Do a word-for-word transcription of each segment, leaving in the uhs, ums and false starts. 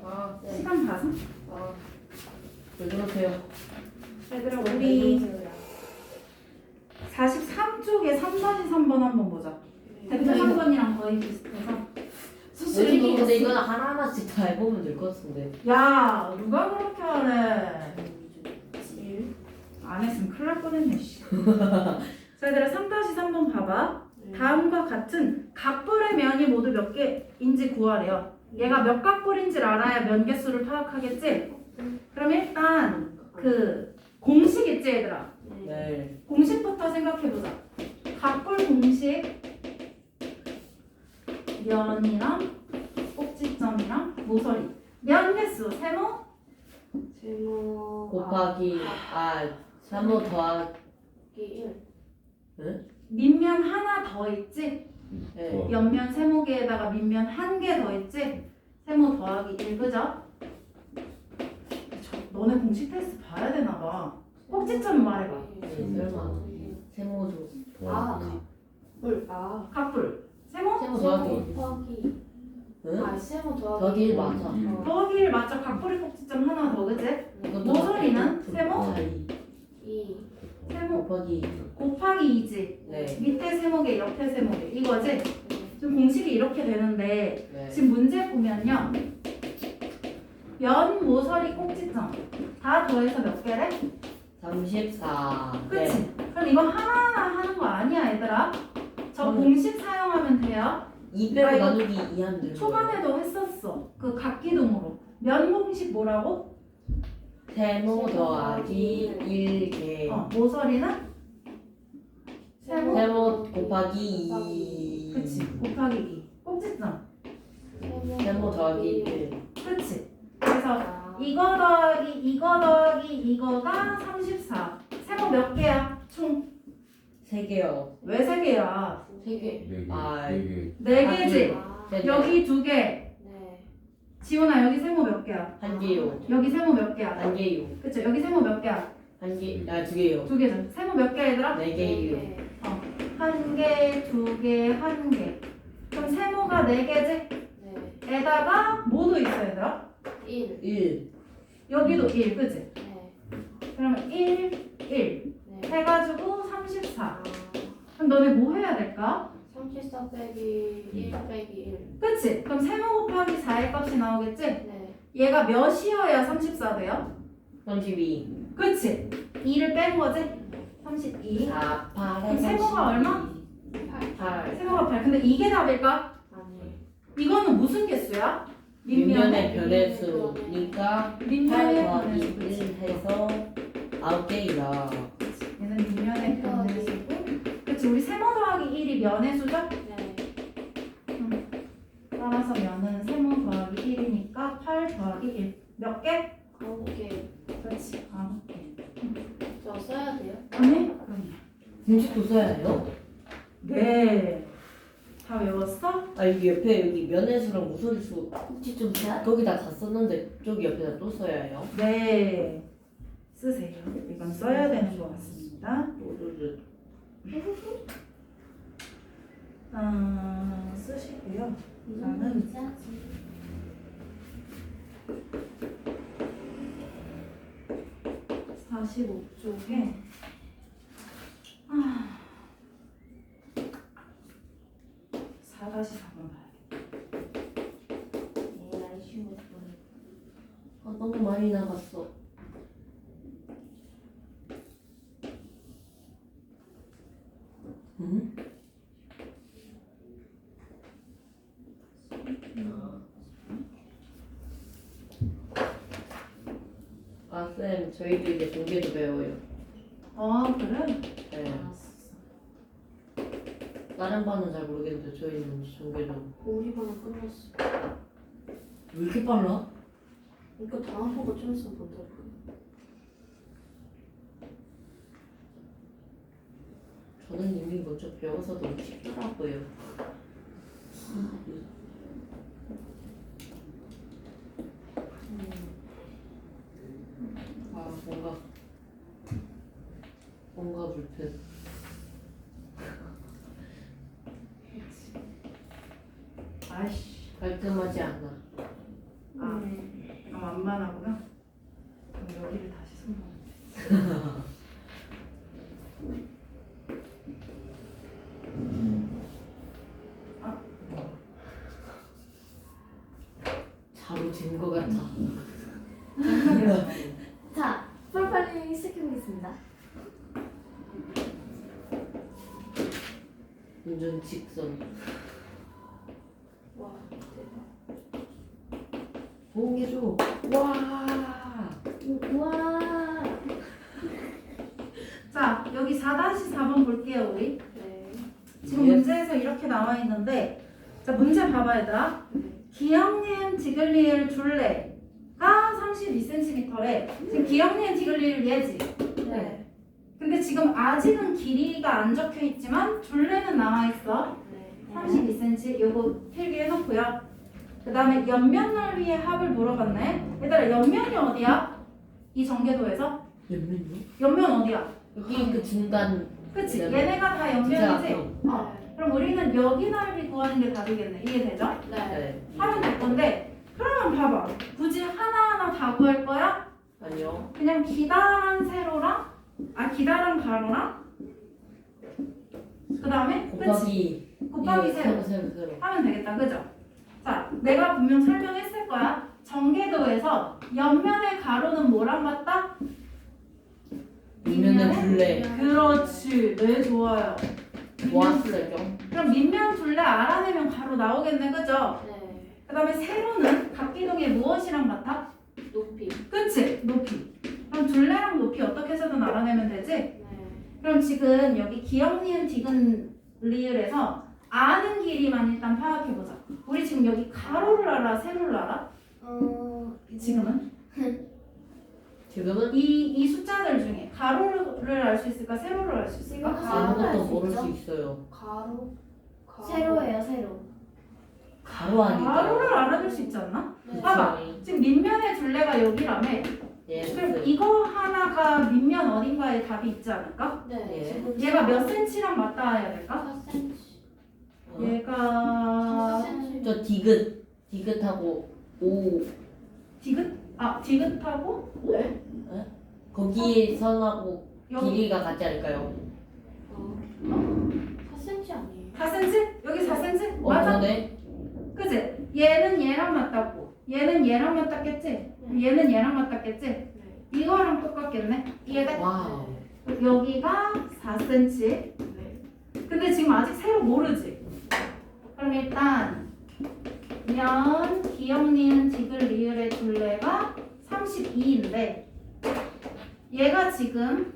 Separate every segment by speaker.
Speaker 1: 아, 네.
Speaker 2: 시간 봐서.
Speaker 1: 아, 왜 그러세요?
Speaker 2: 얘들아 우리 사십삼 쪽에 삼 다시 삼 번 한번 보자. 대표 삼 번이랑 거의 비슷해서.
Speaker 1: 선생님 근데 이건 하나하나씩 다 해보면 될 것 같은데.
Speaker 2: 야 누가 그렇게 하래.
Speaker 1: 칠.
Speaker 2: 안 했으면 큰일 날 뻔했네. 씨. 자 얘들아 삼 다시 삼 번 봐봐. 다음과 같은 각볼의 면이 모두 몇 개인지 구하래요. 얘가 몇 각볼인지를 알아야 면 개수를 파악하겠지? 그럼 일단 그 공식 있지 얘들아?
Speaker 1: 네.
Speaker 2: 공식부터 생각해보자. 각볼 공식 면이랑 꼭지점이랑 모서리 면 개수 세모
Speaker 3: 세모
Speaker 1: 곱하기 아 삼 호 더하기
Speaker 3: 일.
Speaker 1: 응?
Speaker 2: 밑면 하나 더 있지?
Speaker 1: 네.
Speaker 2: 옆면 세모개에다가 밑면 한 개 더 있지? 세모 더하기 일 그죠? 저, 너네 공식 테스트 봐야 되나봐. 꼭지점 말해봐.
Speaker 1: 네, 설마. 세모조
Speaker 3: 아,
Speaker 1: 더하기.
Speaker 3: 물. 아.
Speaker 2: 각불 세모?
Speaker 1: 세모 더하기.
Speaker 3: 더하기.
Speaker 1: 응?
Speaker 3: 아, 세모 더하기.
Speaker 1: 더하기 일 맞아.
Speaker 3: 어.
Speaker 2: 더하기 일 맞죠? 각불이 꼭지점 하나 더 그지?
Speaker 1: 이것도
Speaker 2: 모서리는 세모?
Speaker 1: 곱하기
Speaker 3: 이.
Speaker 2: 세모
Speaker 1: 곱하기
Speaker 2: 곱하기 이지.
Speaker 1: 네.
Speaker 2: 밑에 세모개 옆에 세모개 이거지? 지금 공식이 이렇게 되는데
Speaker 1: 네.
Speaker 2: 지금 문제 보면요 면 모서리 꼭지점 다 더해서 몇 개래?
Speaker 1: 삼십사.
Speaker 2: 그치? 그럼 이거 하나하나 하는 거 아니야 얘들아? 저
Speaker 1: 음.
Speaker 2: 공식 사용하면 돼요.
Speaker 1: 이
Speaker 2: 아,
Speaker 1: 빼고
Speaker 2: 이거
Speaker 1: 나누기 이 하면 되는 거예요.
Speaker 2: 초반에도 했었어. 그 각기둥으로 면 공식 뭐라고?
Speaker 1: 세모 더하기 일 개.
Speaker 2: 어, 모서리는? 세모?
Speaker 1: 세모 곱하기 이.
Speaker 2: 그치 곱하기 이 꼭지점
Speaker 1: 세모 더하기 일.
Speaker 2: 그치? 그래서
Speaker 3: 아.
Speaker 2: 이거 더하기 이거 더하기 이거가 삼십사. 세모 몇 개야? 총?
Speaker 1: 세 개요.
Speaker 2: 왜 세 개야?
Speaker 1: 세 개.
Speaker 4: 네 개.
Speaker 1: 아.
Speaker 4: 네 개.
Speaker 2: 네
Speaker 1: 아,
Speaker 2: 개지?
Speaker 3: 아.
Speaker 1: 네 개.
Speaker 2: 여기 두 개.
Speaker 3: 네.
Speaker 2: 지훈아 여기 세모 몇 개야?
Speaker 1: 한 개요.
Speaker 2: 여기 세모 몇 개야?
Speaker 1: 한 개요.
Speaker 2: 그치? 여기 세모 몇 개야?
Speaker 1: 한 개. 아, 두 개요.
Speaker 2: 두 개죠. 세모 몇 개야 얘들아?
Speaker 1: 네 개요.
Speaker 3: 네.
Speaker 2: 한 개, 두 개, 한 개. 그럼 세모가 네 개지?
Speaker 3: 네.
Speaker 2: 에다가 뭐도 있어 얘들아?
Speaker 3: 일.
Speaker 1: 일.
Speaker 2: 여기도 일, 그치?
Speaker 3: 네.
Speaker 2: 그러면 일, 일
Speaker 3: 네.
Speaker 2: 해가지고 삼십사.
Speaker 3: 아.
Speaker 2: 그럼 너네 뭐 해야 될까?
Speaker 3: 삼십사 빼기 일 빼기 일.
Speaker 2: 그치? 그럼 세모 곱하기 사의 값이 나오겠지?
Speaker 3: 네.
Speaker 2: 얘가 몇이어야 삼십사 돼요?
Speaker 1: 삼십이.
Speaker 2: 그치? 이를 뺀 거지? 삼십이.
Speaker 1: 사, 팔.
Speaker 2: 그럼 세모가 얼마?
Speaker 3: 팔.
Speaker 1: 팔.
Speaker 2: 세모가 팔. 근데 이게 답일까?
Speaker 3: 아니.
Speaker 2: 이거는 무슨 개수야?
Speaker 1: 밑면의 변의수니까 팔
Speaker 2: 밑면의
Speaker 1: 더하기
Speaker 2: 변의수, 그치?
Speaker 1: 일 해서 아홉 개이다.
Speaker 2: 얘는 밑면의 변의수고 그치? 우리 세모 더하기 일이 면의 수죠?
Speaker 3: 네.
Speaker 2: 따라서 면은 세모 더하기 일이니까 팔 더하기 일. 몇 개?
Speaker 3: 아홉 개.
Speaker 2: 그렇지. 아홉 개.
Speaker 3: 저 써야 돼요?
Speaker 2: 아니? 그럼요.
Speaker 1: 공식도 써야 해요?
Speaker 2: 네. 다 외웠어?
Speaker 1: 아, 여기 옆에 여기 면회수랑 무소리수 혹시 좀 거기다 다 썼는데 저기 옆에다 또 써야 해요?
Speaker 2: 네. 쓰세요. 이건 써야 되는 것 같습니다.
Speaker 1: 오르르.
Speaker 2: 어, 쓰시고요. 이거는 사십오 쪽에 아, 사 다시 사 번 봐야겠다.
Speaker 3: 에이아이 쉬운 거.
Speaker 1: 아, 너무 많이 나갔어. 응? 아, 쌤, 저희도 이제 종계도 배워요.
Speaker 2: 아, 그래?
Speaker 1: 네.
Speaker 2: 알았어.
Speaker 1: 다른 반은 잘 모르겠는데 저희는 종계도.
Speaker 3: 우리 반은 끝났어.
Speaker 1: 왜 이렇게 빨라?
Speaker 3: 이거 다음 보고 좀 있으면 본다고.
Speaker 1: 저는 이미 먼저 배워서 너무 쉽더라고요. 아, 뭔가 뭔가 불편.
Speaker 2: 아이씨.
Speaker 1: 깔끔하지 않아.
Speaker 2: 아,
Speaker 3: 네.
Speaker 2: 원만하고요. 그럼 여기를 다시 손보면
Speaker 1: 자로 잰 거 같아.
Speaker 4: 자, 프로파일링 시작해보겠습니다.
Speaker 1: 완전 직선.
Speaker 3: 와 대박.
Speaker 1: 호응해줘. 와.
Speaker 4: 우와.
Speaker 2: 자, 여기 사 사 번 볼게요, 우리.
Speaker 3: 네.
Speaker 2: 지금
Speaker 1: 예.
Speaker 2: 문제에서 이렇게 나와 있는데, 자, 문제 봐봐, 얘들아.
Speaker 3: 네.
Speaker 2: 기역니은 디글리엘 둘레가 삼십이 센티미터래. 지금 기역니은 디글리엘 얘지.
Speaker 3: 네.
Speaker 2: 근데 지금 아직은 길이가 안 적혀 있지만 둘레는 나와 있어.
Speaker 3: 네.
Speaker 2: 삼십이 센티미터. 요거 필기해 놓고요. 그 다음에 옆면 넓이의 합을 물어봤네. 얘들아, 옆면이 어디야? 이 전개도에서?
Speaker 1: 옆면요?
Speaker 2: 옆면 어디야?
Speaker 1: 여기 그 중간.
Speaker 2: 그치?
Speaker 1: 네.
Speaker 2: 얘네가 다
Speaker 1: 진짜
Speaker 2: 옆면이지?
Speaker 1: 앞으로.
Speaker 2: 어. 그럼 우리는 여기 넓이 구하는 게 답이겠네. 이해되죠?
Speaker 3: 네.
Speaker 1: 네.
Speaker 2: 하면 될 건데, 그러면 봐봐. 굳이 하나하나 다 구할 거야?
Speaker 1: 아니요.
Speaker 2: 그냥 기다란 세로랑, 아, 기다란 가로랑, 그 다음에, 그치?
Speaker 1: 곱하기.
Speaker 2: 곱하기
Speaker 1: 예,
Speaker 2: 세로.
Speaker 1: 세로 세로.
Speaker 2: 하면 되겠다. 그죠? 자, 내가 분명 설명했을 거야. 전개도에서 옆면의 가로는 뭐랑 같다?
Speaker 1: 밑면은 둘레.
Speaker 2: 그렇지. 네, 좋아요.
Speaker 1: 모았어요.
Speaker 2: 그럼 밑면 둘레 알아내면 가로 나오겠네. 그죠?
Speaker 3: 네.
Speaker 2: 그 다음에 세로는 각기동의 무엇이랑 같아?
Speaker 3: 높이.
Speaker 2: 그치? 높이. 그럼 둘레랑 높이 어떻게 해서든 알아내면 되지?
Speaker 3: 네.
Speaker 2: 그럼 지금 여기 기역, 니은, 디귿, 리을에서 아는 길이만 일단 파악해보자. 우리 지금 여기 가로를 알아? 세로를 알아?
Speaker 4: 어,
Speaker 2: 지금은?
Speaker 1: 지금은
Speaker 2: 이, 이 숫자들 중에 가로를 알 수 있을까? 세로를 알 수 있을까?
Speaker 4: 지금
Speaker 2: 가로.
Speaker 4: 세로를 알
Speaker 1: 아무것도
Speaker 4: 수
Speaker 1: 모를
Speaker 4: 있죠?
Speaker 1: 수 있어요.
Speaker 3: 가로. 가로.
Speaker 4: 세로예요, 세로.
Speaker 1: 가로 아니까.
Speaker 2: 가로를 알아낼 수 있지 않나?
Speaker 3: 네.
Speaker 2: 봐봐. 지금 밑면의 둘레가 여기라며.
Speaker 1: 예.
Speaker 2: 그럼 이거 하나가 밑면 어딘가에 답이 있지 않을까?
Speaker 3: 네.
Speaker 1: 예.
Speaker 3: 지금
Speaker 2: 얘가 몇 센치랑 맞닿아야 될까?
Speaker 3: 사 센티미터.
Speaker 1: 어?
Speaker 2: 얘가
Speaker 3: 사 센티미터.
Speaker 1: 저 디귿 디귿하고 오
Speaker 2: 디귿? 아 디귿하고
Speaker 3: 네.
Speaker 1: 거기 선하고
Speaker 2: 여기
Speaker 1: 길이가 같지 않을까요?
Speaker 3: 어. 사 센티미터 아니에요?
Speaker 2: 사 센티미터? 여기 사 센티미터?
Speaker 1: 어,
Speaker 2: 맞아?
Speaker 1: 그러네.
Speaker 2: 그치? 얘는 얘랑 맞닿고 얘는 얘랑 맞닿겠지? 얘는 얘랑 맞닿겠지?
Speaker 3: 네.
Speaker 2: 이거랑 똑같겠네? 이해돼?
Speaker 1: 와우.
Speaker 2: 여기가 사 센티미터.
Speaker 3: 네.
Speaker 2: 근데 지금 아직 세로 모르지? 그럼 일단 면, 기역, 니은, 디귿, 리을의 둘레가 삼십이인데 얘가 지금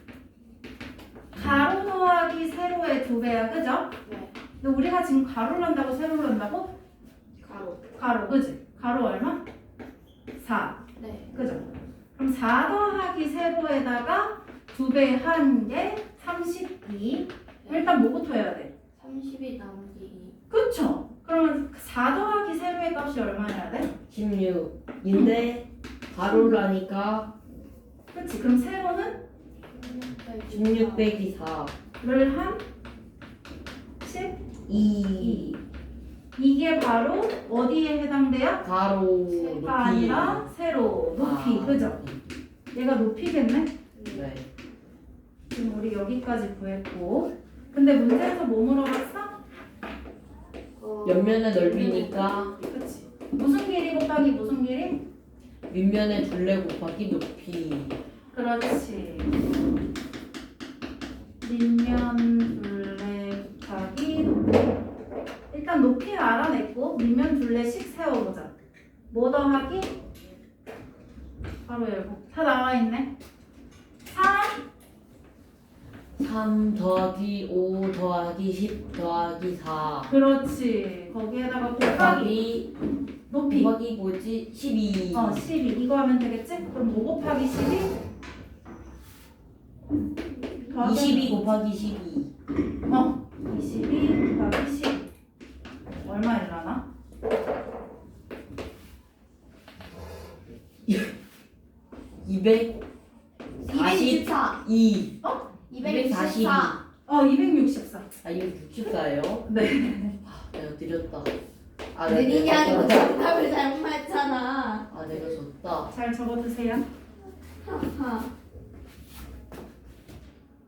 Speaker 2: 가로 더하기 세로의 두 배야, 그죠?
Speaker 3: 네.
Speaker 2: 근데 우리가 지금 가로를 한다고 세로를 한다고?
Speaker 3: 가로.
Speaker 2: 가로, 그지? 가로 얼마? 사,
Speaker 3: 네.
Speaker 2: 그죠? 그럼 사 더하기 세로에다가 두 배 한 게 삼십이. 일단 뭐부터 해야 돼?
Speaker 3: 삼십이 나누기 이.
Speaker 2: 그쵸? 그러면 사 더하기 세로의 값이 얼마여야 돼?
Speaker 1: 십육인데 가로를 하니까
Speaker 2: 그치? 그럼 세로는
Speaker 1: 십육 빼기 사
Speaker 2: 를 한 십이.
Speaker 1: 이
Speaker 2: 이게 바로 어디에 해당돼요?
Speaker 1: 가로 높이
Speaker 2: 가 아니라 세로, 높이,
Speaker 1: 아,
Speaker 2: 그죠? 얘가 높이겠네?
Speaker 1: 네.
Speaker 2: 지금 우리 여기까지 구했고 근데 문제에서 뭐 물어봤어?
Speaker 3: 어.
Speaker 1: 옆면의 넓이니까
Speaker 2: 그치? 무슨 길이 곱하기 무슨 길이?
Speaker 1: 밑면의 둘레 곱하기 높이.
Speaker 2: 그렇지. 밑면 둘레 곱하기 높이. 일단 높이를 알아냈고 밑면 둘레씩 세워보자. 뭐 더하기? 바로 열고. 다 나와있네. 삼.
Speaker 1: 삼 더하기 오 더하기 십 더하기 사
Speaker 2: 그렇지. 거기에다가 곱하기
Speaker 1: 곱하기
Speaker 2: 높이.
Speaker 1: 곱하기 뭐지? 십이.
Speaker 2: 어, 십이. 이거 하면 되겠지? 그럼 오 곱하기 십이? 더하기
Speaker 1: 이십이 곱하기 십이.
Speaker 2: 어, 이십이 곱하기 십. 얼마일라나?
Speaker 1: 이백
Speaker 4: 이백육십사.
Speaker 1: 이.
Speaker 4: 이백육십사.
Speaker 2: 어, 이백육십사.
Speaker 1: 아 이거 육십사예요?
Speaker 2: 네.
Speaker 1: 아, 내가 느렸다. 아, 네,
Speaker 4: 느리냐고
Speaker 1: 네.
Speaker 4: 정답을 잘못했잖아.
Speaker 1: 아 내가 졌다.
Speaker 2: 잘 적어두세요.
Speaker 4: 하하.